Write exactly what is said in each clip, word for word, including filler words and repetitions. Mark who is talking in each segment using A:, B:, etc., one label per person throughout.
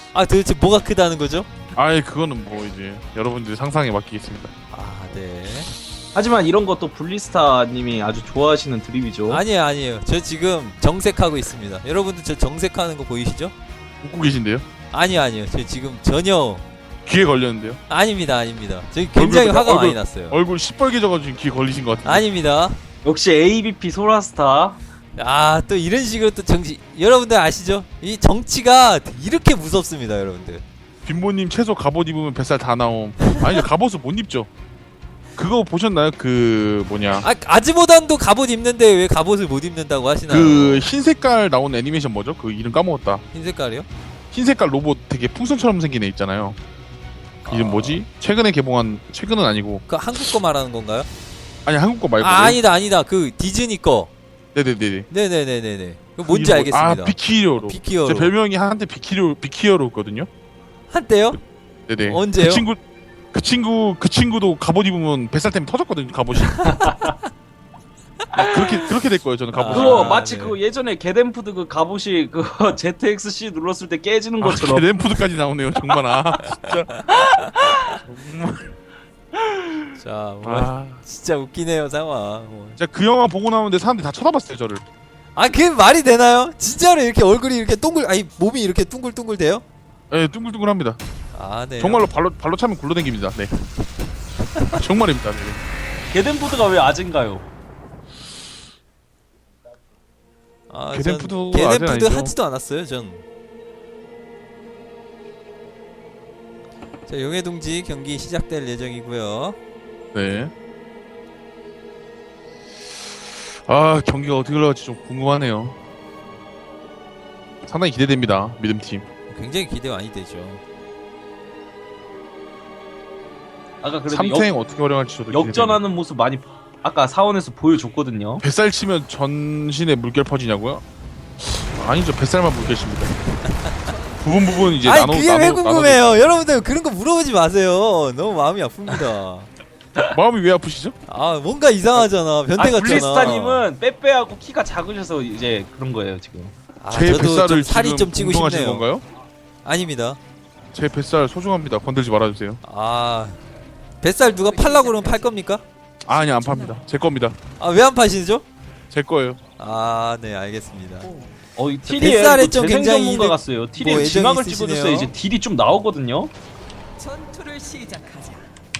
A: 아 도대체 뭐가 크다는 거죠?
B: 아이 그거는 뭐 이제 여러분들의 상상에 맡기겠습니다.
A: 아 네.
C: 하지만 이런 것도 블리스타님이 아주 좋아하시는 드립이죠.
A: 아니에요 아니에요. 저 지금 정색하고 있습니다. 여러분들 저 정색하는 거 보이시죠?
B: 웃고 계신데요?
A: 아니요 아니요. 저 지금 전혀
B: 귀에 걸렸는데요?
A: 아닙니다 아닙니다. 저 굉장히
B: 얼굴,
A: 화가
B: 얼굴,
A: 많이 났어요.
B: 얼굴 시뻘개져가지고 지금 귀에 걸리신 것 같은데.
A: 아닙니다.
C: 역시 에이비피 소라스타.
A: 아 또 이런 식으로 또 정치 여러분들 아시죠? 이 정치가 이렇게 무섭습니다 여러분들.
B: 빈보님 최소 갑옷 입으면 뱃살 다 나옴. 아니죠 갑옷을 못 입죠. 그거 보셨나요? 그 뭐냐
A: 아 아즈모단도 갑옷 입는데 왜 갑옷을 못 입는다고 하시나요?
B: 그 흰색깔 나온 애니메이션 뭐죠? 그 이름 까먹었다.
A: 흰 색깔이요?
B: 흰색깔 로봇 되게 풍선처럼 생긴 애 있잖아요. 이름
A: 아.
B: 뭐지? 최근에 개봉한 최근은 아니고
A: 그 한국 거 말하는 건가요?
B: 아니 한국 거 말고.
A: 아 아니다 아니다 그 디즈니 거.
B: 네네네네.
A: 네네네네네. 그 뭔지
B: 그 이름 뭐-
A: 알겠습니다.
B: 아 비키히어로.
A: 비키어로.
B: 제 별명이 한때 비키히어로 비키히어로였거든요.
A: 한때요?
B: 네네.
A: 언제요?
B: 그 친구 그 친구 그 친구도 갑옷 입으면 뱃살 때문에 터졌거든요. 갑옷이. 아, 그렇게 그렇게 될 거예요. 저는 갑옷이.
C: 그거
A: 아,
C: 마치
A: 네.
C: 그 예전에 게덴푸드 그 갑옷이 그 제트엑스씨 눌렀을 때 깨지는
B: 아,
C: 것처럼.
B: 램푸드까지 나오네요. 정말 아 진짜. 정말.
A: 자, 뭐
B: 아
A: 진짜 웃기네요 상황. 뭐.
B: 진짜 그 영화 보고 나오는데 사람들이 다 쳐다봤어요 저를.
A: 아 그게 말이 되나요? 진짜로 이렇게 얼굴이 이렇게 동글 아니 몸이 이렇게 둥글둥글 돼요?
B: 예, 둥글둥글합니다.
A: 아 네.
B: 정말로 발로 발로 차면 굴러댕깁니다. 네. 아, 정말입니다. 네.
C: 게덴푸드가 왜 아진가요?
A: 아,
B: 게덴푸드
A: 전
B: 아직
A: 게덴푸드
B: 아니죠?
A: 하지도 않았어요 전. 자 용해동지 경기 시작될 예정이고요.
B: 네. 아 경기가 어떻게 흘러갈지 좀 궁금하네요. 상당히 기대됩니다. 믿음팀.
A: 굉장히 기대 많이 되죠.
C: 아까 그래도
B: 삼
C: 역,
B: 탱 어떻게 활용할지 저도 기대됩니다.
C: 역전하는 모습 많이 아까 사원에서 보여줬거든요.
B: 뱃살 치면 전신에 물결 퍼지냐고요? 아니죠. 뱃살만 물결입니다. 부분 부분 이제
A: 아니
B: 나눠
A: 그게
B: 나눠
A: 왜 궁금해요? 여러분들 그런 거 물어보지 마세요. 너무 마음이 아픕니다.
B: 나눠... 마음이 왜 아프시죠?
A: 아 뭔가 이상하잖아. 변태
C: 아
A: 같잖아.
C: 블리스타님은 빼빼하고 키가 작으셔서 이제 그런 거예요 지금.
A: 아,
B: 제
A: 저도
B: 뱃살을
A: 좀 살이
B: 지금
A: 좀 찌고
B: 궁금하신
A: 싶네요.
B: 건가요?
A: 아닙니다.
B: 제 뱃살 소중합니다. 건들지 말아주세요.
A: 아 뱃살 누가 팔라고 그러면 팔 겁니까?
B: 아, 아니 안 팝니다. 제 겁니다.
A: 아 왜 안 파시죠?
B: 제 거예요.
A: 아 네 알겠습니다.
C: 어, 이 티리에
A: 뱃살에
C: 또
A: 좀
C: 재생
A: 굉장히
C: 전문가
A: 이득-
C: 같어요. 티리에
A: 뭐 애정이
C: 지막을
A: 있으시네요.
C: 찍어줬어요. 이제 딜이 좀 나오거든요.
D: 전투를 시작하자.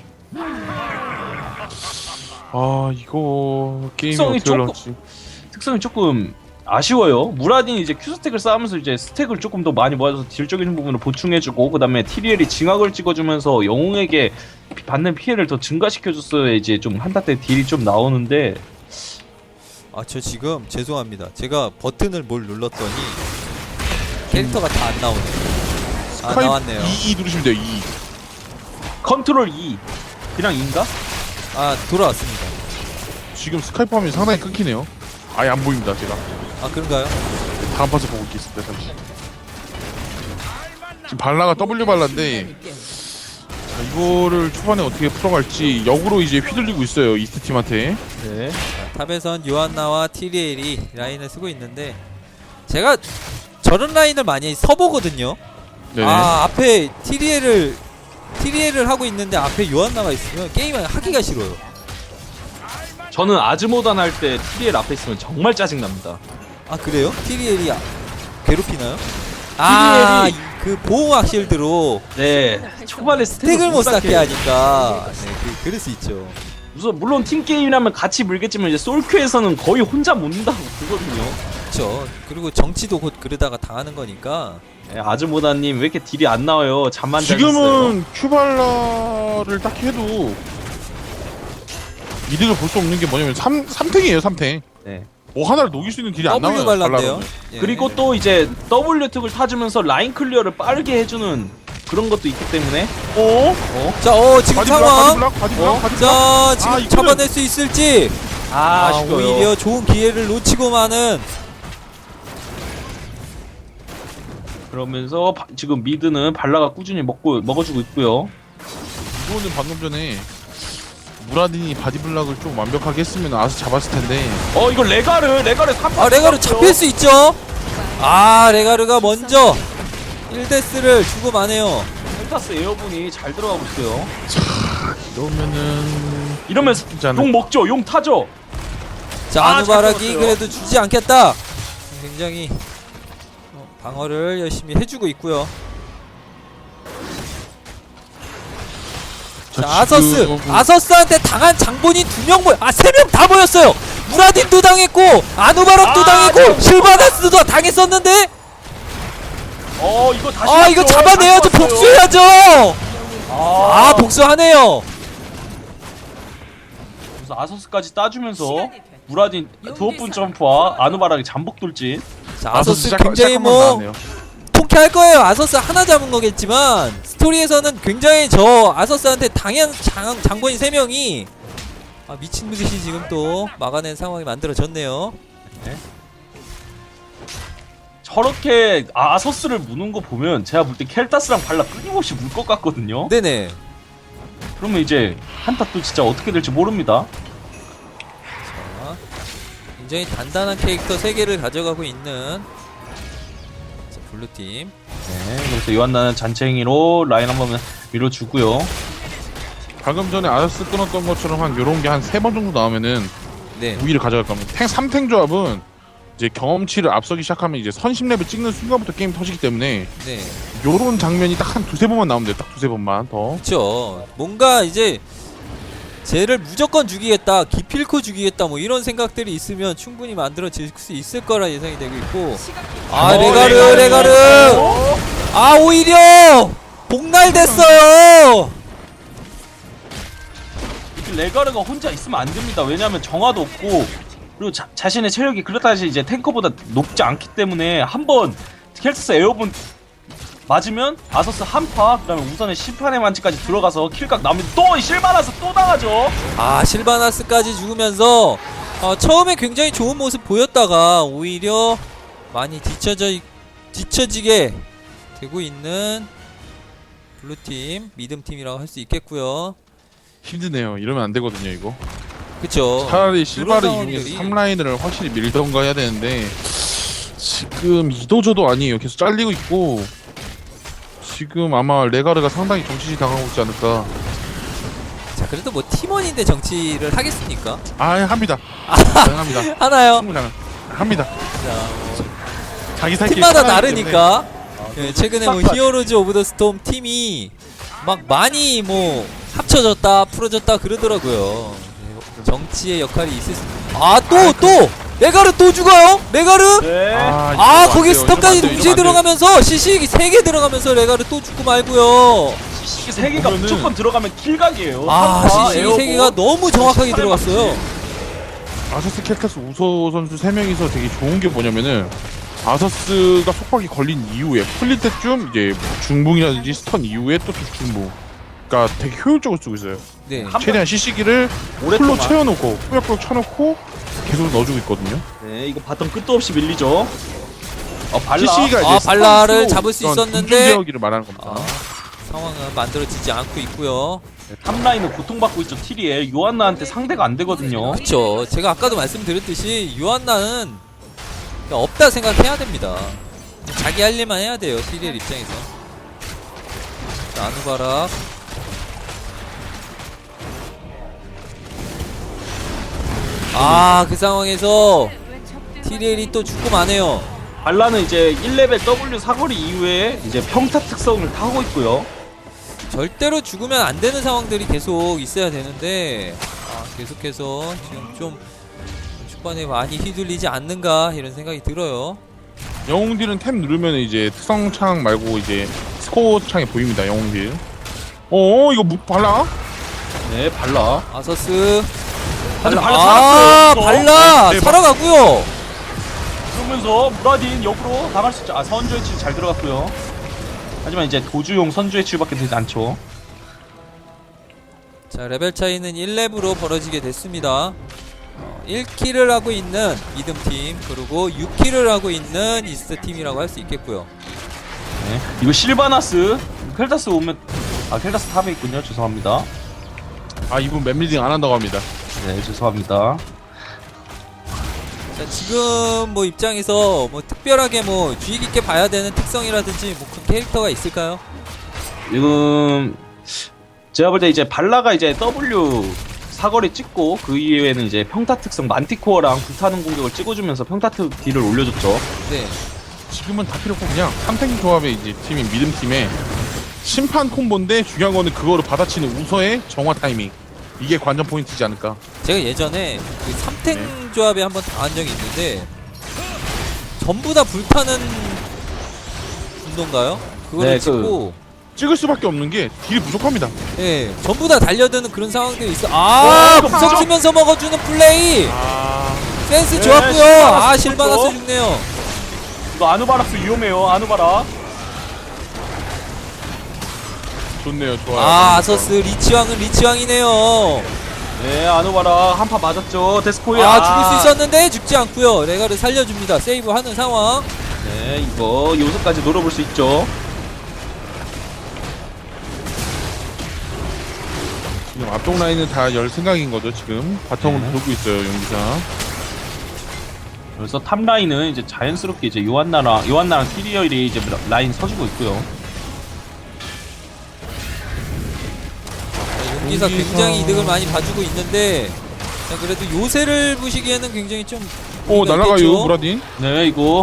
B: 아 이거 게임이
C: 특성이
B: 어떻게
C: 조금-
B: 올라갈지.
C: 특성이 조금 아쉬워요. 무라딘이 이제 큐 스택을 쌓으면서 이제 스택을 조금 더 많이 모아줘서 딜적인 부분을 보충해주고 그 다음에 티리엘이 징악을 찍어주면서 영웅에게 피- 받는 피해를 더 증가시켜줬어야 이제 좀 한타 때 딜이 좀 나오는데
A: 아 저 지금 죄송합니다. 제가 버튼을 뭘 눌렀더니 캐릭터가 다 안 나오네요. 아
B: 스카이프
A: 나왔네요.
B: 이 누르시면 돼요. 이.
C: 컨트롤 E 그냥 인가?
A: 아 돌아왔습니다.
B: 지금 스카이프 화면이 상당히 끊기네요. 아예 안 보입니다. 제가
A: 아 그런가요?
B: 다음 파서 보고 있겠습니다. 잠시. 지금 발라가 W 발라인데 자, 이거를 초반에 어떻게 풀어갈지 역으로 이제 휘둘리고 있어요. 이스트 팀한테.
C: 네.
A: 자, 탑에선 요한나와 티리엘이 라인을 쓰고 있는데 제가 저런 라인을 많이 서보거든요.
B: 네네.
A: 아 앞에 티리엘을 티리엘을 하고 있는데 앞에 요한나가 있으면 게임을 하기가 싫어요.
C: 저는 아즈모단 할 때 티리엘 앞에 있으면 정말 짜증납니다.
A: 아 그래요? 티리엘이 아- 괴롭히나요? 아, 그 보호막 실드로
C: 네. 초반에
A: 스택을
C: 스택을
A: 못 쌓게
C: 쌓게
A: 하니까 네, 그, 그럴 수 있죠.
C: 우선 물론 팀 게임이라면 같이 물겠지만 이제 솔큐에서는 거의 혼자 못 는다고 그거든요.
A: 그렇죠. 그리고 정치도 곧 그러다가 당하는 거니까.
C: 네, 아즈모다님 왜 이렇게 딜이 안 나와요? 잠만 잘 잤어요.
B: 지금은 큐발라를 딱히 해도 이득을 볼 수 없는 게 뭐냐면 삼, 삼 탱이에요. 삼 탱.
C: 네.
B: 뭐 하나를 녹일 수 있는 딜이 안 나와요.
A: W 발란데요.
B: 발라는.
A: 예.
C: 그리고 또 이제 W 특을 타주면서 라인 클리어를 빠르게 해주는 그런 것도 있기 때문에
B: 어?
C: 어?
A: 자, 어 지금
B: 바디블락,
A: 상황.
B: 바디블락, 바디블락,
C: 어?
B: 바디블락.
A: 자, 지금
B: 아, 이거는-
A: 잡아낼 수 있을지.
C: 아,
A: 아,
C: 아쉬워요.
A: 오히려 좋은 기회를 놓치고 마는.
C: 그러면서 바- 지금 미드는 발라가 꾸준히 먹고 먹어주고 있고요.
B: 이거는 방금 전에 무라딘이 바디블락을 좀 완벽하게 했으면 아스 잡았을 텐데.
C: 어 이거 레가르 레가르 삼
A: 아, 레가르 잡힐 수 있죠. 아, 레가르가 먼저 일 데스를 주고 마네요.
C: 켈타스 에어본이 잘 들어가고 있어요.
B: 이러면은
C: 이러면서
B: 진짜
C: 용 먹죠. 용 타죠.
A: 자,
C: 아,
A: 아누바락이
C: 잘
A: 그래도 주지 않겠다. 굉장히 어, 방어를 열심히 해주고 있고요. 자, 아서스!
B: 지금-
A: 아서스한테 당한 장본인 두 명 모여, 아, 세 명 다 모였어요! 무라딘도 당했고, 아누바락도
C: 아,
A: 당했고,
C: 저-
A: 실바나스도 당했었는데,
C: 어 이거 다시.
A: 아, 이거
C: 왔죠.
A: 잡아내야죠!
C: 다시 왔어요.
A: 복수해야죠!
C: 아,
A: 아, 복수하네요!
C: 그래서 아서스까지 따주면서
D: 시간이 됐다.
C: 무라딘 드워프 점프와 아누바락이 잠복 돌진.
A: 자,
B: 아서스
A: 아서스
B: 시작-
A: 굉장히
B: 시작한
A: 뭐,
B: 건 나왔네요.
A: 통쾌할 거예요. 아서스 하나 잡은 거겠지만, 스토리에서는 굉장히 저 아서스한테 당한 장, 장본인 세 명이, 아, 미친 듯이 지금 또 막아낸 상황이 만들어졌네요.
C: 저렇게 아서스를 무는 거 보면 제가 볼 때 켈타스랑 발라 끊임없이 물 것 같거든요.
A: 네네.
C: 그러면 이제 한타 또 진짜 어떻게 될지 모릅니다.
A: 자, 굉장히 단단한 캐릭터 세 개를 가져가고 있는 자, 블루팀.
C: 네, 그래서 요한나는 잔챙이로 라인 한번 밀어주고요.
B: 방금 전에 아서스 끊었던 것처럼 한 요런 게 한 세 번 정도 나오면은
A: 네.
B: 우위를 가져갈 겁니다. 탱 삼 탱 조합은 이제 경험치를 앞서기 시작하면 이제 선십 렙을 찍는 순간부터 게임 터지기 때문에
A: 네.
B: 요런 장면이 딱 한 두세 번만 나오면 돼요. 딱 두세 번만 더.
A: 그쵸. 뭔가 이제 쟤를 무조건 죽이겠다, 기필코 죽이겠다, 뭐 이런 생각들이 있으면 충분히 만들어질 수 있을 거라 예상이 되고 있고. 아,
C: 어,
A: 레가르,
C: 레가르.
A: 레가르!
C: 어?
A: 아, 오히려! 복날됐어요!
C: 이렇게 레가르가 혼자 있으면 안 됩니다. 왜냐하면 정화도 없고 그리고 자, 자신의 체력이 그렇다시 이제 탱커보다 높지 않기 때문에 한번 켈타스 에어본 맞으면 아서스 한파 그다음에 우선의 심판의 만지까지 들어가서 킬각 나오면 또 실바나서 또 당하죠.
A: 아, 실바나스까지 죽으면서 어, 처음에 굉장히 좋은 모습 보였다가 오히려 많이 뒤쳐져 있- 뒤처지게 되고 있는 블루팀, 미듬팀이라고 할 수 있겠고요.
B: 힘드네요. 이러면 안 되거든요, 이거.
A: 그쵸.
B: 차라리 실바를
A: 이런
B: 이용해서
A: 상황들이-
B: 삼 라인을 확실히 밀던가 해야 되는데 지금 이도저도 아니에요. 계속 잘리고 있고 지금 아마 레가르가 상당히 정치시 당하고 있지 않을까.
A: 자, 그래도 뭐 팀원인데 정치를 하겠습니까?
B: 아, 합니다. 가능합니다.
A: 하나요?
B: 충분히 가능. 합니다.
A: 자,
B: 자기 살길
A: 팀마다
B: 편하기 때문에.
A: 다르니까. 예, 최근에 뭐 히어로즈 오브 더 스톰 팀이 막 많이 뭐 합쳐졌다, 풀어졌다 그러더라고요. 예, 정치의 역할이 있을 수. 아, 또 또 레가르 또 죽어요? 레가르?
C: 네.
B: 아, 이거
A: 아,
B: 안
A: 거기
B: 돼요.
A: 스톱까지
B: 이러면 안 돼요.
A: 동시에
B: 이러면 안 돼요.
A: 들어가면서 시식이 세 개 들어가면서 레가르 또 죽고 말고요.
C: 시식이 세 개가
B: 보면은-
C: 무조건 들어가면 킬각이에요.
A: 아,
C: 한파,
A: 시식이
C: 에어본.
A: 세 개가 너무 정확하게
C: 팔에
A: 들어갔어요.
B: 아서스 켈타스 우소 선수 세 명이서 되게 좋은 게 뭐냐면은 아서스가 속박이 걸린 이후에 풀릴 때쯤 이제 중붕이라든지 스턴 이후에 또 중붕. 그러니까 되게 효율적으로 쓰고 있어요.
A: 네.
C: 한
B: 최대한 시시기를 풀로
C: 오랫동안.
B: 채워놓고 꾸역꾸역 쳐놓고 계속 넣어주고 있거든요.
C: 네, 이거 바텀 끝도 없이 밀리죠. 어, 발라.
B: 시시가 이제
A: 아, 발라를
B: 스턴
A: 잡을 수
B: 이런
A: 있었는데
B: 공중제어기를 말하는 겁니다.
A: 아, 상황은 만들어지지 않고 있고요.
C: 네, 탑라인은 고통받고 있죠. 티리엘. 요한나한테 상대가 안 되거든요.
A: 그쵸. 제가 아까도 말씀드렸듯이 유한나는 없다 생각해야 됩니다. 자기 할 일만 해야 돼요. 티리엘 입장에서. 자, 아누바락. 아, 그 상황에서 티리엘이 또 죽고 마네요.
C: 발라는 이제 일 레벨 W 사거리 이후에 이제 평타 특성을 타고 있고요.
A: 절대로 죽으면 안 되는 상황들이 계속 있어야 되는데 아, 계속해서 지금 좀 초반에 많이 휘둘리지 않는가 이런 생각이 들어요.
B: 영웅딜은 탭 누르면 이제 특성 창 말고 이제 스코어 창이 보입니다. 영웅딜. 어 이거 무, 발라?
C: 네, 발라.
A: 아서스
C: 발라, 발라
A: 아,
C: 살았어요.
A: 발라
B: 네,
A: 살아가고요.
C: 그러면서 무라딘 역으로 나갈 수 있죠. 아, 선주의 치유 잘 들어갔고요. 하지만 이제 도주용 선주의 치유밖에 되지 않죠.
A: 자, 레벨 차이는 일 렙으로 벌어지게 됐습니다. 어, 일 킬을 하고 있는 미듬팀 그리고 육 킬을 하고 있는 이스트팀이라고 할 수 있겠고요.
C: 네. 이거 실바나스 켈타스 오면 아 켈타스 탑에 있군요. 죄송합니다.
B: 아 이분 맵리딩 안 한다고 합니다.
C: 네, 죄송합니다.
A: 자, 지금 뭐 입장에서 뭐 특별하게 뭐 주의 깊게 봐야 되는 특성이라든지 뭐 그 캐릭터가 있을까요?
C: 지금 제가 볼 때 이제 발라가 이제 W 사거리 찍고 그 이후에는 이제 평타 특성 만티코어랑 불타는 공격을 찍어주면서 평타 딜을 올려줬죠.
A: 네.
B: 지금은 다 필요 없고 그냥 삼탱 조합의 이제 팀인 믿음 팀에 심판 콤보인데 중요한 거는 그거를 받아치는 우서의 정화 타이밍. 이게 관전 포인트지 않을까.
A: 제가 예전에 그 삼탱 조합에 한번 당한 적이 있는데 전부 다 불타는 분노인가요? 그거를
C: 네, 그-
A: 찍고
B: 찍을 수밖에 없는 게 딜이 부족합니다.
A: 예, 전부 다 달려드는 그런 상황들이 있어. 아,
C: 어,
A: 구석 치면서 먹어주는 플레이
B: 아,
A: 센스
C: 네,
A: 좋았고요.
C: 실바나스
A: 아, 실바나스
C: 좋죠.
A: 죽네요.
C: 이거 아누바락스 위험해요. 아누바락.
B: 좋네요. 좋아요.
A: 아, 아서스 리치왕은 리치왕이네요.
C: 네, 아누바락 한 파 맞았죠. 데스코에
A: 아, 죽을 수 있었는데 죽지 않고요. 레가를 살려줍니다. 세이브하는 상황.
C: 네, 이거 요소까지 노려볼 수 있죠.
B: 지금 앞쪽 라인은 다 열 생각인 거죠. 지금 바텀으로
C: 네.
B: 돌고 있어요. 용기사.
C: 그래서 탑 라인은 이제 자연스럽게 이제 요한나랑 요한나랑 티리얼이 이제 라인 서주고 있고요.
A: 용기사
B: 용기사.
A: 굉장히 이득을 많이 봐주고 있는데 자, 그래도 요새를 보시기에는 굉장히 좀
B: 오
A: 의미가
B: 날아가요
A: 있겠죠?
B: 무라딘.
C: 네, 이거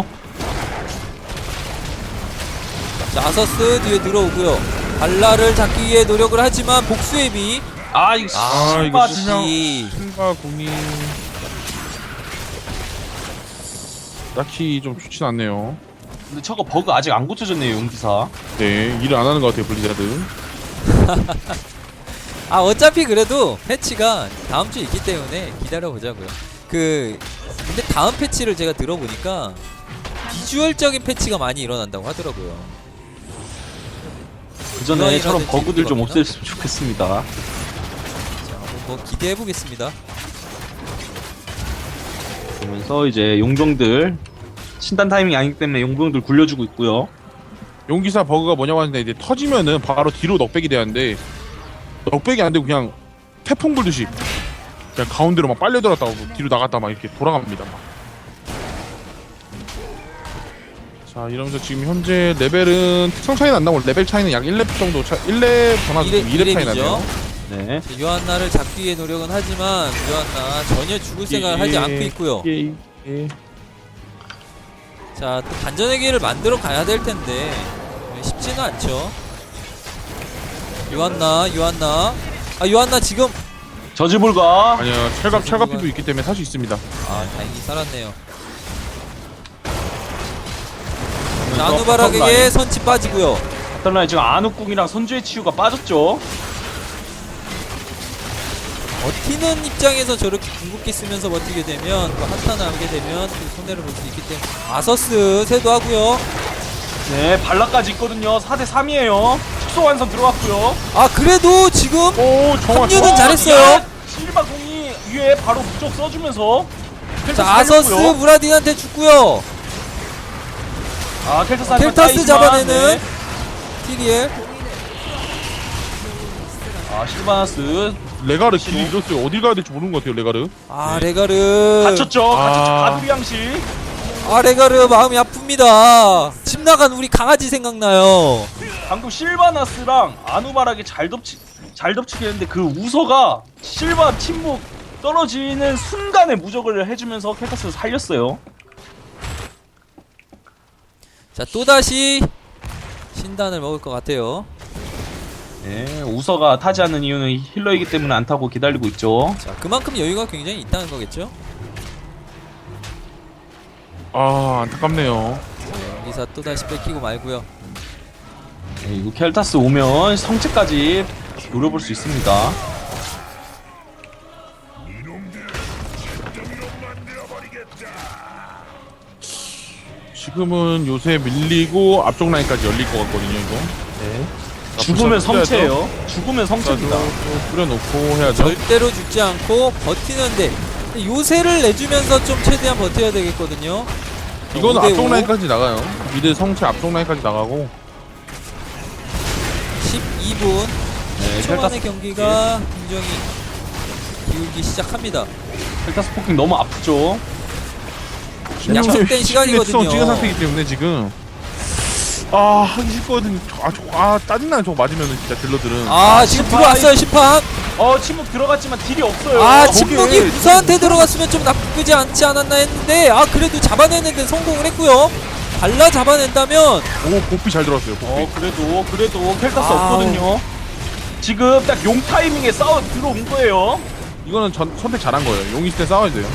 A: 자, 아서스 뒤에 들어오고요. 발라를 잡기 위해 노력을 하지만 복수의 비.
C: 아 이거
B: 아,
C: 실바
B: 이거
C: 지
B: 실명.
A: 이
B: 신과 공이 딱히 좀 좋진 않네요.
C: 근데 저거 버그 아직 안 고쳐졌네요, 용기사.
B: 네, 일을 안 하는 것 같아요 블리자드.
A: 아, 어차피 그래도 패치가 다음 주에 있기 때문에 기다려 보자고요. 그 근데 다음 패치를 제가 들어보니까 비주얼적인 패치가 많이 일어난다고 하더라고요.
C: 그 전에
A: 유아이라든지
C: 저런 버그들 좀
A: 이거구나.
C: 없앴으면 좋겠습니다.
A: 자, 한번 뭐 기대해 보겠습니다.
C: 그러면서 이제 용병들 신단 타이밍이 아니기 때문에 용병들 굴려주고 있고요.
B: 용기사 버그가 뭐냐고 하는데 이제 터지면은 바로 뒤로 넉백이 되는데 넉백이 안 되고 그냥 태풍 불듯이 그냥 가운데로 막 빨려들었다가 뒤로 나갔다 막 이렇게 돌아갑니다. 막. 자 이러면서 지금 현재 레벨은 특성 차이는 안 나고 레벨 차이는 약 일 렙 정도 차 일 렙 전화도
A: 일 렙,
B: 이 렙 차이
A: 일 렙이죠.
B: 나네요.
C: 네.
A: 자, 요한나를 잡기 위해 노력은 하지만 요한나 전혀 죽을 생각을 하지 않고 있고요.
B: 예, 예.
A: 자, 또 반전의 기회를 만들어 가야 될 텐데 쉽지는 않죠. 요한나, 요한나. 아, 요한나 지금
C: 저지불가.
B: 아니요 철갑 철갑피도 있기 때문에 살 수 있습니다.
A: 아, 다행히 살았네요.
C: 그러면서
A: 나누바락에게 선치 빠지고요.
C: 어떤 라인 지금 안욱궁이랑 선주의 치유가 빠졌죠.
A: 버티는 입장에서 저렇게 궁극기 쓰면서 버티게 되면 또 한타를 하게 되면 또 손해를 볼 수 있기 때문에 아서스 세도하고요.
C: 네, 발라까지 있거든요. 사 대 삼이에요. 축소 완성 들어왔고요.
A: 아, 그래도 지금
B: 오 정확.
A: 합류는
C: 어,
A: 잘했어요.
C: 야, 실바 공이 위에 바로 무적 써주면서 켈타스
A: 자, 아서스
C: 살렸고요.
A: 무라딘한테 죽고요.
C: 아, 켈타스,
A: 켈타스 잡아내는 티리엘.
C: 아, 실바나스
B: 레가르 길이 잃었어요. 어딜 가야 될지 모르는 것 같아요 레가르.
A: 아, 레가르.
C: 갇혔죠. 갇혔죠.
B: 아.
C: 가두리 양식.
A: 아, 레가르 마음이 아픕니다. 집 나간 우리 강아지 생각나요.
C: 방금 실바나스랑 아누바락이 잘 덮치 잘 덮치게 했는데 그 우서가 실바 침묵 떨어지는 순간에 무적을 해주면서 켈타스를 살렸어요.
A: 자, 또다시 신단을 먹을 것 같아요.
C: 네, 우서가 타지 않는 이유는 힐러이기 때문에 안 타고 기다리고 있죠.
A: 자, 그만큼 여유가 굉장히 있다는 거겠죠.
B: 아 안타깝네요.
A: 여기서 또다시 뺏기고 말고요.
C: 네, 이거 켈타스 오면 성체까지 노려볼 수 있습니다.
B: 지금은 요새 밀리고 앞쪽 라인까지 열릴 것 같거든요 이거.
C: 네. 죽으면 성체예요. 죽으면 성체입니다.
B: 또 뿌려놓고 해야죠.
A: 절대로 죽지 않고 버티는데 요새를 내주면서 좀 최대한 버텨야 되겠거든요.
B: 이거는
A: 오 대
B: 앞쪽
A: 오.
B: 라인까지 나가요. 미드 성체 앞쪽 라인까지 나가고.
A: 십이 분
C: 네,
A: 초반의
C: 켈타스,
A: 경기가 굉장히 기울기 시작합니다.
C: 켈타스 포킹 너무 아프죠.
A: 약속된 시간이거든요.
B: 찍은 상태이기 때문에 지금 아 하기 싫거든. 아, 저, 아 짜증나요. 저거 맞으면은 진짜 딜러들은.
A: 아 지금
C: 심판.
A: 들어왔어요 심판.
C: 어 침묵 들어갔지만 딜이 없어요.
A: 아
B: 거기에
A: 침묵이 무사한테 들어갔으면 좀 나쁘지 않지 않았나 했는데 아 그래도 잡아내는데 성공을 했고요. 발라 잡아낸다면
B: 오 복비 잘 들어왔어요. 복비.
C: 어 그래도 그래도 켈타스
A: 아우.
C: 없거든요. 지금 딱 용 타이밍에 싸워 들어온 거예요.
B: 이거는 전, 선택 잘한 거예요. 용 있을 때 싸워야 돼요.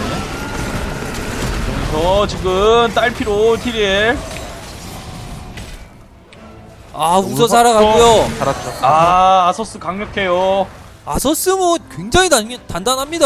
C: 저 지금 딸피로 티리엘.
A: 아 우서 살아가고요.
B: 살았죠.
C: 아 아서스 강력해요.
A: 아서스 뭐 굉장히 단, 단단합니다.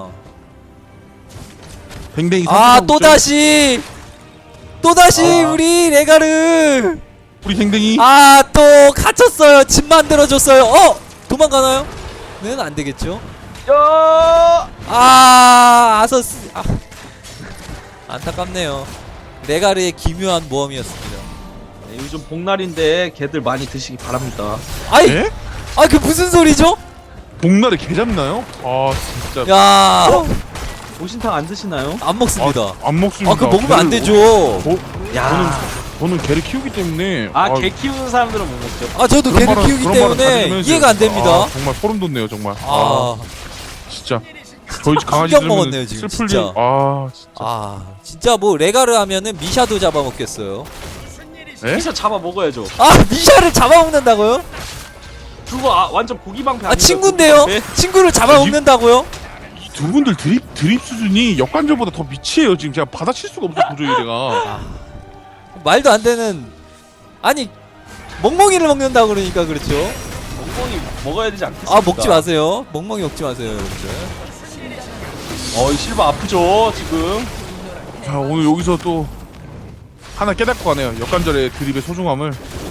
B: 뱅뱅이
A: 아
B: 선택하고
A: 또
B: 있죠.
A: 다시 또 다시
C: 아.
A: 우리 레가르
B: 우리 뱅뱅이
A: 아 또 갇혔어요. 집 만들어줬어요. 어 도망가나요? 는 안 되겠죠.
C: 야!
A: 아 아서스 아, 안타깝네요. 레가르의 기묘한 모험이었습니다.
C: 네, 요즘 복날인데 개들 많이 드시기 바랍니다.
A: 아이
B: 예?
A: 아 그 무슨 소리죠?
B: 복날에 개 잡나요? 아 진짜.
A: 야
C: 보신탕 안 드시나요?
A: 안 먹습니다.
B: 아, 안 먹습니다.
A: 아 그거 먹으면 안
B: 개를-
A: 되죠.
B: 어,
C: 야.
B: 저는 저는 개를 키우기 때문에
C: 아 개 키우는 사람들은 못 먹죠.
A: 아 저도
B: 그런
A: 개를
B: 말은-
A: 키우기
B: 그런 말은 다
A: 때문에
B: 들으면서
A: 이해가 안 됩니다.
B: 아, 정말 소름 돋네요 정말.
A: 아,
B: 아, 진짜 저희 집 강아지
A: 충격
B: 들으면
A: 먹었네요, 지금,
B: 슬플
A: 진짜.
B: 일. 아 진짜.
A: 아 진짜 뭐 레가르 하면은 미샤도 잡아먹겠어요.
B: 에?
C: 피셔 잡아 먹어야죠.
A: 아 미샤를 잡아먹는다고요?
C: 그거 아, 완전 고기 방패
A: 아
C: 아닌가요?
A: 친구인데요?
C: 고기
A: 친구를 잡아먹는다고요?
B: 이 두 분들 드립 드립 수준이 역관절보다 더 미치해요. 지금 제가 받아칠 수가 없어 도저히 내가.
A: 말도 안 되는 아니 멍멍이를 먹는다고 그러니까 그렇죠.
C: 멍멍이 먹어야 되지 않겠습니까?
A: 아 먹지 마세요. 멍멍이 먹지 마세요 여러분들.
C: 어, 이 실버 아프죠 지금.
B: 자 오늘 여기서 또 하나 깨닫고 가네요. 역관절의 드립의 소중함을.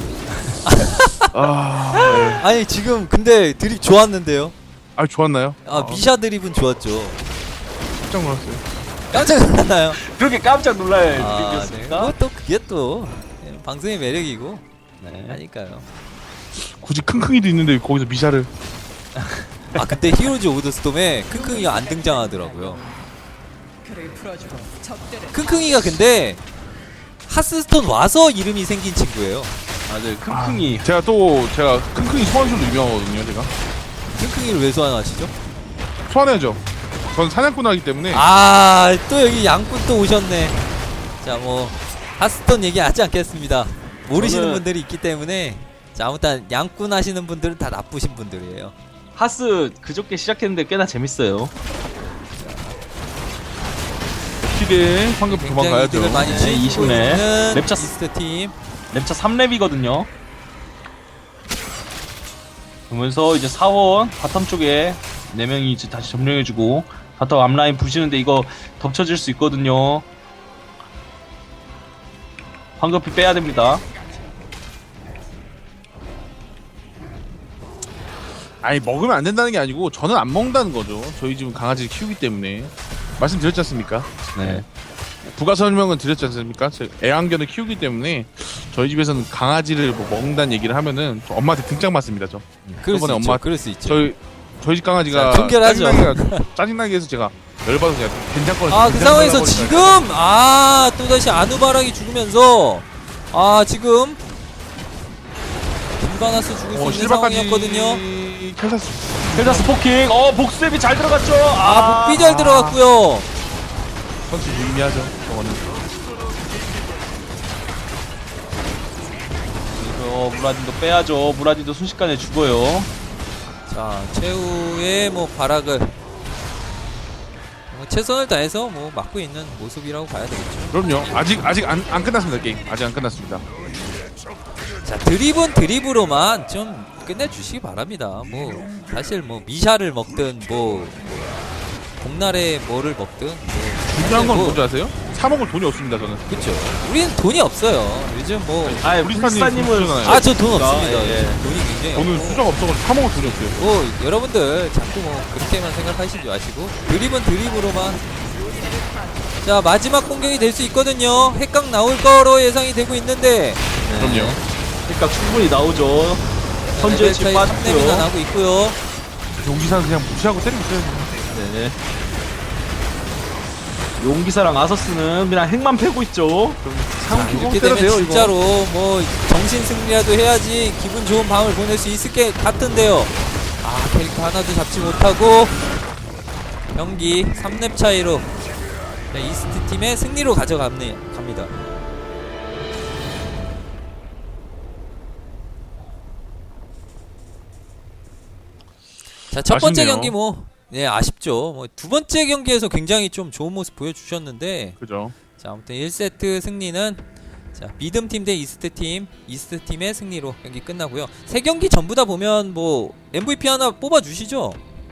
B: 아, 네.
A: 아니 지금 근데 드립 좋았는데요.
B: 아 좋았나요?
A: 아 미샤 드립은 좋았죠.
B: 깜짝 놀랐어요.
A: 깜짝 놀랐나요?
C: 그렇게 깜짝 놀랄
A: 아, 네.
C: 일이었습니까?
A: 뭐또 그게 또 예, 방송의 매력이고
C: 네.
A: 하니까요.
B: 굳이 킁킁이도 있는데 거기서 미샤를.
A: 아 그때 히어로즈 오브 더 스톰에 킁킁이가 안 등장하더라고요.
D: 그를 풀어주고 적들을
A: 킁킁이가 근데 하스스톤 와서 이름이 생긴 친구예요.
C: 맞아요. 킁킁이.
B: 제가 또 제가 킁킁이 소환술로 유명하거든요. 제가
A: 킁킁이를 왜 소환하시죠?
B: 소환해야죠. 전 사냥꾼 하기 때문에.
A: 아 또 여기 양꾼 또 오셨네. 자 뭐 하스스톤 얘기하지 않겠습니다. 모르시는
C: 저는-
A: 분들이 있기 때문에 자 아무튼 양꾼 하시는 분들은 다 나쁘신 분들이에요.
C: 하스 그저께 시작했는데 꽤나 재밌어요.
B: 시대 황금
A: 굉장히
B: 도망가야죠.
A: 이득을 많이
C: 네,
A: 취고
C: 이십 렙.
A: 있는
C: 랩차
A: 이스트 팀.
C: 랩차 삼 렙이거든요. 그러면서 이제 사원 바텀 쪽에 네 명이 이제 다시 점령해주고 바텀 앞라인 부시는데 이거 덮쳐질 수 있거든요. 황급히 빼야 됩니다.
B: 아니 먹으면 안 된다는 게 아니고 저는 안 먹는다는 거죠. 저희 집은 강아지를 키우기 때문에 말씀드렸지 않습니까?
C: 네.
B: 부가 설명은 드렸지 않습니까? 제 애완견을 키우기 때문에 저희 집에서는 강아지를 뭐 먹는다는 얘기를 하면은 저 엄마한테 등짝 맞습니다. 저
A: 그럴 수
B: 저번에
A: 있죠.
B: 엄마-
A: 그럴 수 있죠.
B: 저희 저희 집 강아지가
A: 자, 종결하죠.
B: 짜증나게 짜증나게 해서 제가 열받아서 제가 괜찮거나
A: 아 그 상황에서 지금 아 또다시 아누바락이 죽으면서 아 지금 김바나스 죽을 수
B: 어,
A: 있는
B: 실바까지
A: 상황이었거든요.
B: 켈타스
C: 헬다스 포킹. 어 복수앱이 잘 들어갔죠.
A: 아 복비 잘 들어갔고요.
B: 선수 유의미하죠. 저거는
C: 그래서 무라딘도 빼야죠. 무라딘도 순식간에 죽어요.
A: 자 최후의 뭐 발악을 뭐 최선을 다해서 뭐 막고 있는 모습이라고 봐야 되겠죠.
B: 그럼요. 아직 아직 안, 안 끝났습니다. 게임 아직 안 끝났습니다.
A: 자 드립은 드립으로만 좀 끝내주시기 바랍니다. 뭐 사실 뭐 미샤를 먹든 뭐 복날에 뭐를 먹든 뭐
B: 중요한 건
A: 뭐,
B: 뭔지 아세요? 사 먹을 돈이 없습니다. 저는.
A: 그쵸. 우리는 돈이 없어요. 요즘 뭐
C: 아
B: 우리
C: 불사님은
B: 스타님
A: 아 저 돈 없습니다.
C: 예, 예.
A: 돈이 굉장히
B: 저는
A: 없고.
B: 수저가 없어가지고 사 먹을 돈이 없어요.
A: 뭐 여러분들 자꾸 뭐 그렇게만 생각하시지 마시고 드립은 드립으로만. 자 마지막 공격이 될 수 있거든요. 핵각 나올 거로 예상이 되고 있는데
B: 그럼요.
C: 그러니까 충분히 나오죠. 선제 집
A: 레벨 차이 삼 렙이나
C: 빠졌고요.
A: 나고 있고요.
B: 용기사는 그냥 무시하고 때리고 있어요.
C: 네. 용기사랑 아서스는 그냥 핵만 패고 있죠.
A: 자,
C: 상
A: 이렇게 되면 진짜로 뭐 정신 승리라도 해야지 기분 좋은 밤을 보낼 수 있을 게 같은데요. 아, 캐릭터 하나도 잡지 못하고 경기 삼 렙 차이로 이스트 팀의 승리로 가져갑니다. 갑니다. 자, 첫 번째
B: 아쉽네요.
A: 경기 뭐 네, 아쉽죠. 뭐 두 번째 경기에서 굉장히 좀 좋은 모습 보여주셨는데,
B: 그죠.
A: 자, 아무튼 일 세트 승리는 자, 미듬 팀 대 이스트 팀, 이스트 팀의 승리로 경기 끝나고요. 세 경기 전부 다 보면 뭐 엠브이피 하나 뽑아 주시죠.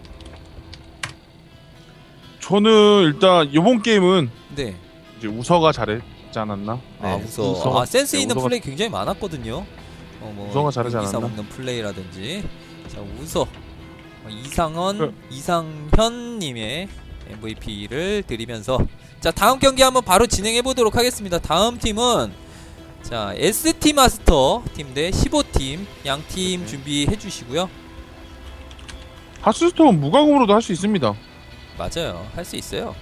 B: 저는 일단 이번 게임은
A: 네.
B: 이제 우서가 잘했지 않았나?
A: 아,
C: 네,
A: 우서.
B: 우서가-
A: 아, 센스
B: 네,
A: 있는
B: 우서가-
A: 플레이 굉장히 많았거든요. 어, 뭐
B: 우서가 잘하지
A: 여기서
B: 않았나?
A: 먹는 플레이라든지. 자, 우서. 어, 이상원,
B: 그-
A: 이상현 님의 엠브이피를 드리면서 자, 다음 경기 한번 바로 진행해 보도록 하겠습니다. 다음 팀은 자, 에스티 마스터 팀 대 십오 팀 양 팀
B: 네.
A: 준비해 주시고요.
B: 하스스톤 무과금으로도 할 수 있습니다.
A: 맞아요. 할 수 있어요.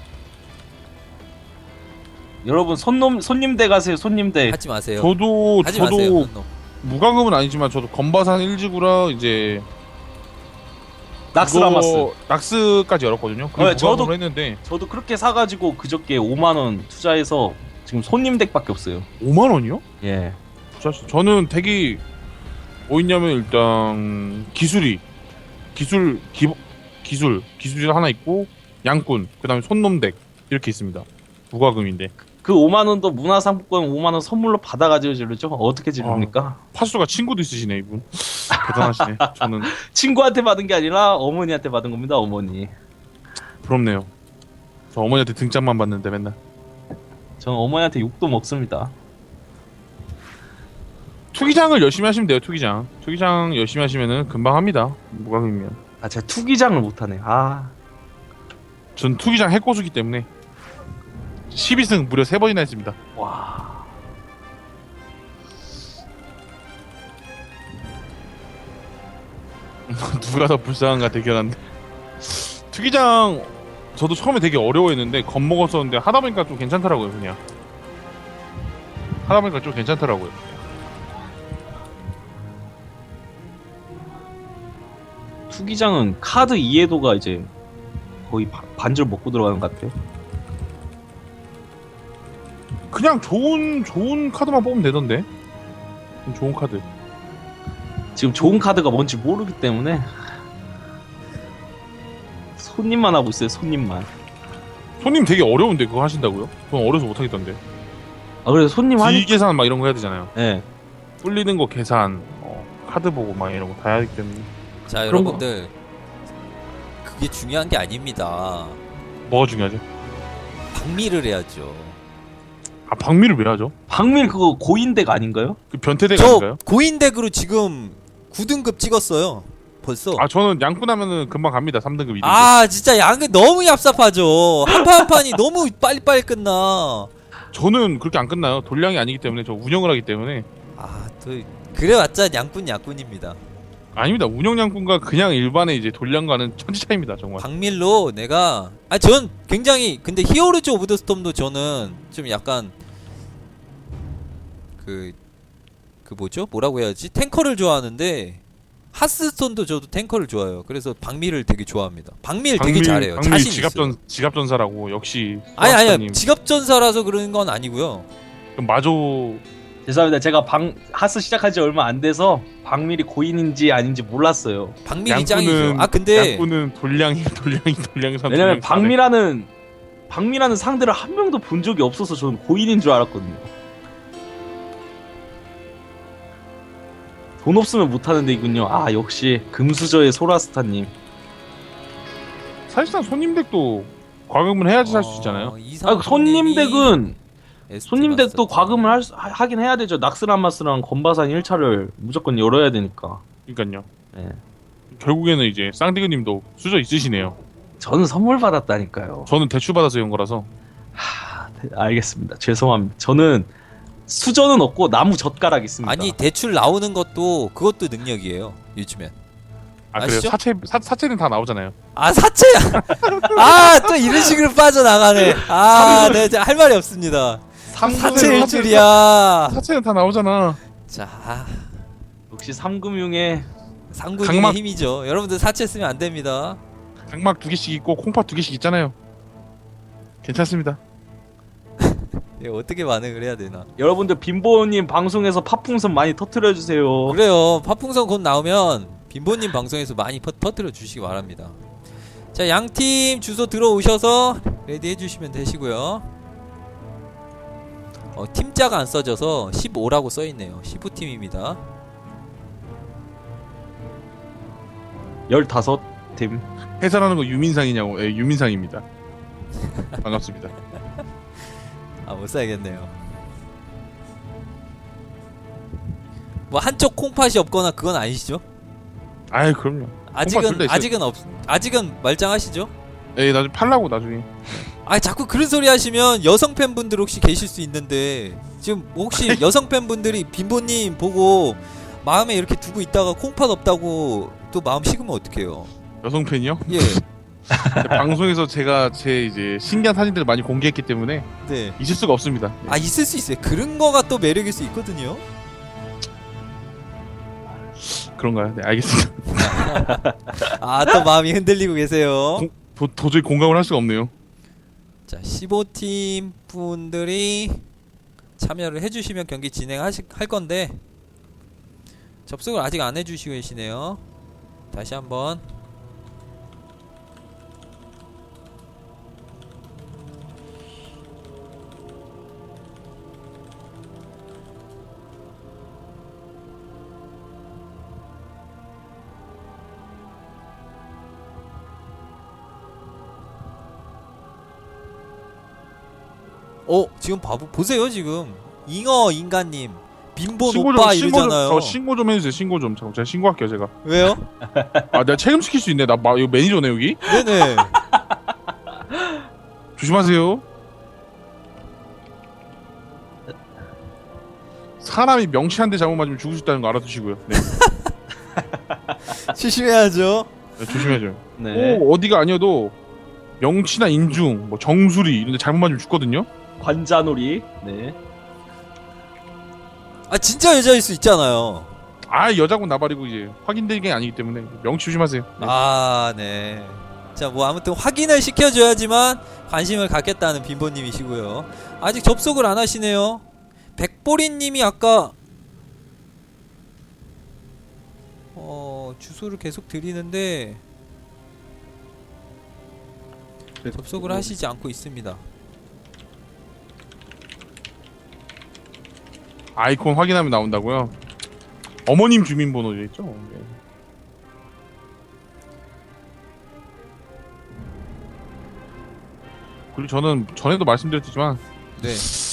C: 여러분 손놈 손님대 가세요. 손님대.
A: 하지 마세요.
B: 저도
A: 하지
B: 저도
A: 마세요. 너.
B: 무과금은 아니지만 저도 건바산 일지구라 이제
C: 낙스라마스.
B: 그거 낙스까지 열었거든요. 그게
C: 네,
B: 무과금으로
C: 저도-
B: 했는데
C: 저도 그렇게 사가지고 그저께 오만 원 투자해서 지금 손님 덱밖에 없어요.
B: 오만 원이요?
C: 예.
B: 저는 덱이 뭐 있냐면 일단 기술이 기술 기 기술 기술이 하나 있고 양꾼 그다음에 손놈 덱 이렇게 있습니다. 무과금인데
C: 그 오만 원도 문화상품권 오만 원 선물로 받아가지고 지르죠. 어떻게 지릅니까?
B: 파수가 친구도 있으시네 이분. 대단하시네. 저는
C: 친구한테 받은 게 아니라 어머니한테 받은 겁니다. 어머니.
B: 부럽네요. 저 어머니한테 등짝만 받는데 맨날.
C: 저는 어머니한테 욕도 먹습니다.
B: 투기장을 열심히 하시면 돼요. 투기장. 투기장 열심히 하시면은 금방 합니다. 무과금이면.
C: 아 제가 투기장을 못하네. 아
B: 전 투기장 핵고수기 때문에 십이 승 무려 세 번이나 했습니다.
C: 와.
B: 누가 더 불쌍한가 대결한데. 투기장 저도 처음에 되게 어려워했는데 겁먹었었는데 하다 보니까 좀 괜찮더라고요. 그냥 하다 보니까 좀 괜찮더라고요.
C: 투기장은 카드 이해도가 이제 거의 바- 반절 먹고 들어가는 것 같아요.
B: 그냥 좋은 좋은 카드만 뽑으면 되던데. 좋은 카드.
C: 지금 좋은 카드가 뭔지 모르기 때문에 손님만 하고 있어요. 손님만.
B: 손님 되게 어려운데 그거 하신다고요? 그건 어려서 못 하겠던데.
C: 아 그래서 손님 하니.
B: 지 계산 막 이런 거 해야 되잖아요.
C: 예.
B: 뚫리는 거 계산, 어, 카드 보고 막 이런 거 다 해야 하기 때문에.
A: 자,
C: 그런
A: 여러분들 그게 중요한 게 아닙니다.
B: 뭐가 중요하죠?
A: 박미를 해야죠.
B: 아 박미를 왜 하죠?
C: 박밀 그거 고인덱 아닌가요?
B: 그 변태대가
A: 저
B: 아닌가요?
A: 고인덱으로 지금 구 등급 찍었어요. 벌써.
B: 아 저는 양꾼 하면은 금방 갑니다. 삼 등급, 이 등급.
A: 아, 진짜 양은 너무 얍삽하죠. 한 판 한 판이 너무 빨리빨리 끝나.
B: 저는 그렇게 안 끝나요. 돌량이 아니기 때문에 저 운영을 하기 때문에.
A: 아, 또 그래봤자 양꾼 양꾼입니다.
B: 아닙니다. 운영 양꾼과 그냥 일반의 이제 돌량과는 천지 차이입니다. 정말.
A: 박밀로 내가 아 전 굉장히 근데 히어로즈 오브 더 스톰도 저는 좀 약간 그 그 뭐죠? 뭐라고 해야지? 탱커를 좋아하는데 하스스톤도 저도 탱커를 좋아해요. 그래서 박밀을 되게 좋아합니다. 박밀 되게 잘해요.
B: 박밀
A: 자신
B: 지갑전
A: 있어요.
B: 지갑전사라고 역시.
A: 아니 아니야.
B: 소아스타님.
A: 직업전사라서 그런 건 아니고요.
B: 그럼 마조
C: 죄송합니다. 제가 방 하스 시작한 지 얼마 안 돼서 박밀이 고인인지 아닌지 몰랐어요.
A: 박밀이 짱이죠.
B: 양꾼은
A: 아 근데
B: 양꾼은 돌량이 돌량이 돌량이 삼.
C: 왜냐면 박밀하는 박밀하는 상대를 한 명도 본 적이 없어서 저는 고인인 줄 알았거든요. 돈 없으면 못하는 데이군요. 아 역시 금수저의 소라스타님.
B: 사실상 손님 덱도 과금을 해야지 살 수
A: 어,
B: 있잖아요.
C: 아 손님 덱은
A: 에스티
C: 손님 덱도
A: 마스터.
C: 과금을 할, 수- 하- 하긴 해야 되죠. 낙스라마스랑 건바산 일 차를 무조건 열어야 되니까.
B: 그러니까요.
C: 예.
B: 결국에는 이제 쌍디그님도 수저 있으시네요.
C: 저는 선물 받았다니까요.
B: 저는 대출 받아서 연 거라서.
C: 하, 네, 알겠습니다. 죄송합니다. 저는 수저는 없고 나무 젓가락 있습니다.
A: 아니 대출 나오는 것도 그것도 능력이에요. 요즘엔.
B: 아 그래요?
A: 아시죠?
B: 사체 사, 사체는 다 나오잖아요.
A: 아 사채야. 아 또 이런 식으로 빠져나가네. 아, 네, 이제 할 말이 없습니다. 사채일 줄이야.
B: 사체는 다 나오잖아.
A: 자,
C: 역시 삼금융의
A: 상군의
B: 강막-
A: 힘이죠. 여러분들 사채 쓰면 안 됩니다.
B: 각막 두 개씩 있고 콩팥 두 개씩 있잖아요. 괜찮습니다.
A: 이거 어떻게 반응을 해야 되나?
C: 여러분들 빈보님 방송에서 팥풍선 많이 터트려 주세요.
A: 그래요. 파풍선 곧 나오면 빈보님 방송에서 많이 퍼, 퍼뜨려 주시기 바랍니다. 자, 양팀 주소 들어오셔서 레디 해주시면 되시고요. 어, 팀자가 안 써져서 십오라고 써있네요. 십오 팀입니다.
C: 열다섯 팀.
B: 해설하는 거 유민상이냐고? 예, 유민상입니다. 반갑습니다.
A: 아, 못 써야겠네요. 뭐 한쪽 콩팥이 없거나 그건 아니시죠?
B: 아이 그럼요.
A: 아직은
B: 둘다 있어요.
A: 아직은 없 아직은 말짱하시죠?
B: 예, 나중에 팔라고 나중에.
A: 아, 자꾸 그런 소리 하시면 여성 팬분들 혹시 계실 수 있는데 지금 혹시 여성 팬분들이 빈보님 보고 마음에 이렇게 두고 있다가 콩팥 없다고 또 마음 식으면 어떡해요?
B: 여성 팬이요?
A: 예,
B: 방송에서 제가 제 이제 신기한 사진들을 많이 공개했기 때문에
A: 네.
B: 있을 수가 없습니다. 네.
A: 아, 있을 수 있어요. 그런 거가 또 매력일 수 있거든요.
B: 그런가요? 네, 알겠습니다.
A: 아, 또 마음이 흔들리고 계세요.
B: 공- 도, 도저히 공감을 할 수가 없네요.
A: 자, 십오 팀 분들이 참여를 해주시면 경기 진행하실 할 건데 접속을 아직 안 해주시고 계시네요. 다시 한번. 어, 지금 바보 보세요. 지금 잉어 인간님 빈본
B: 신고
A: 오빠
B: 좀 신고 좀
A: 이러잖아요.
B: 저 신고 좀 해주세요. 신고 좀. 잠깐 제가 신고할게요. 제가.
A: 왜요?
B: 아 내가 책임시킬 수 있네. 나 마, 이거 매니저네 여기.
A: 네네.
B: 조심하세요. 사람이 명치 한 대 잘못 맞으면 죽을 수 있다는 거 알아두시고요. 네,
A: 조심해야죠.
B: 네 조심해야죠.
C: 네.
B: 꼭 어디가 아니어도 명치나 인중, 뭐 정수리 이런 데 잘못 맞으면 죽거든요.
C: 관자놀이. 네.
A: 아, 진짜 여자일 수 있잖아요.
B: 아 여자고 나발이고 이제 확인된 게 아니기 때문에 명치 조심하세요. 네.
A: 아, 네. 자, 뭐 아무튼 확인을 시켜줘야지만 관심을 갖겠다는 빈보님이시고요. 아직 접속을 안 하시네요. 백보리님이 아까 어 주소를 계속 드리는데 접속을 하시지 않고 있습니다.
B: 아이콘 확인하면 나온다고요? 어머님 주민번호죠 있죠? 네. 그리고 저는 전에도 말씀드렸지만
A: 네.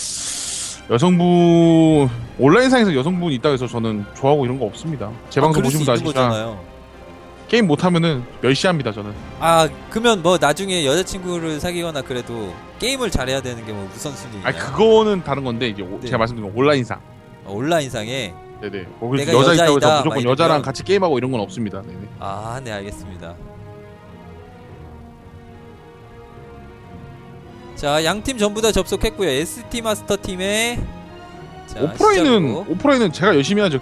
B: 여성분 온라인상에서 여성분 있다고 해서 저는 좋아하고 이런 거 없습니다. 제
A: 아,
B: 방송
A: 그럴 수
B: 보시면 다
A: 있는
B: 아시잖아.
A: 거잖아요.
B: 게임 못하면은 멸시합니다 저는.
A: 아, 그러면 뭐 나중에 여자친구를 사귀거나 그래도 게임을 잘해야 되는 게 뭐 우선순위냐?
B: 아니 그거는 다른 건데 이제 오-
A: 네.
B: 제가 말씀드린 건 온라인상.
A: 어, 온라인상에.
B: 네네. 뭐 그래서
A: 내가
B: 여자 있다고
A: 여자이다,
B: 해서
A: 막
B: 무조건
A: 이러면.
B: 여자랑 같이 게임하고 이런 건 없습니다. 네네.
A: 아, 네, 알겠습니다. 자, 양팀 전부 다 접속했고요. 에스티 마스터 팀의 자,
B: 오프라인은
A: 시작으로.
B: 오프라인은 제가 열심히 하죠.